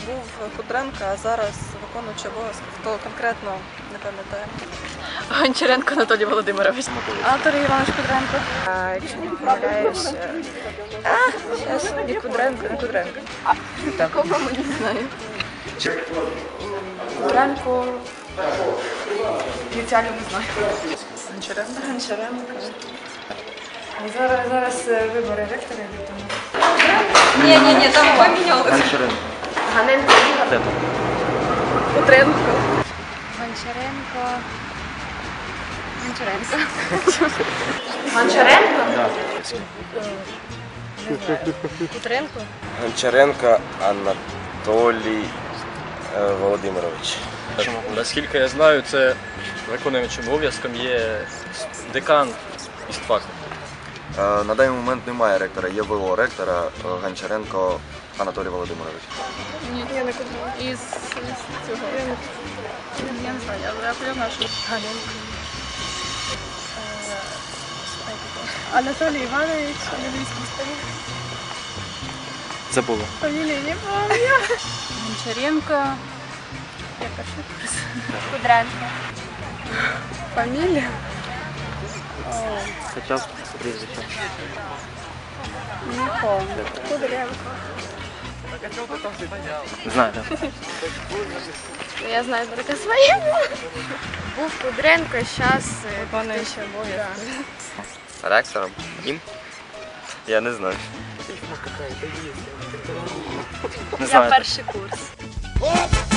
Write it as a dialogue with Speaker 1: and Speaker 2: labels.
Speaker 1: був Кудренко, а зараз виконуючий обов'язки. Хто конкретно, не пам'ятаю.
Speaker 2: Гончаренко Анатолій Володимирович.
Speaker 1: Автор Іванович Кудренко.
Speaker 2: Якщо не помиляюсь, зараз не Кудренко, не Кудренко. Такого ми не знаю. Кудренко. Ініціально не знаю.
Speaker 1: Гончаренко.
Speaker 2: Гончаренко.
Speaker 3: Зараз вибори ректора йдуть, тому.
Speaker 2: Ні, там помінялося.
Speaker 3: Ганенко Ігор.
Speaker 1: Кудренко.
Speaker 2: Гончаренко.
Speaker 3: Гончаренко?
Speaker 2: Кудренко.
Speaker 4: Гончаренко Анатолій Володимирович.
Speaker 5: Наскільки я знаю, це виконуючим обов'язком є декан істфаку.
Speaker 6: На даний момент немає ректора, є ВО ректора Гончаренко Анатолій Володимирович.
Speaker 1: Ні, я не Кудренко. Із цього. Я не знаю, я знаю, що Ганенко. Анатолій Іванович, англійський старик.
Speaker 5: Забула.
Speaker 1: Фамілії не пам'ятаю.
Speaker 2: Гончаренко.
Speaker 1: Яка ще курс?
Speaker 2: Кудренко.
Speaker 1: Фамілія?
Speaker 5: Хоча б прізвище.
Speaker 1: Не пам'ятаю. Кудренко.
Speaker 5: Знаю, так.
Speaker 1: Я знаю тільки своє.
Speaker 2: Був Кудренко, зараз
Speaker 1: Виконуючий обов'язки.
Speaker 4: Ректором? Їм? Я не знаю.
Speaker 5: Не
Speaker 2: я
Speaker 5: знаю.
Speaker 2: перший курс.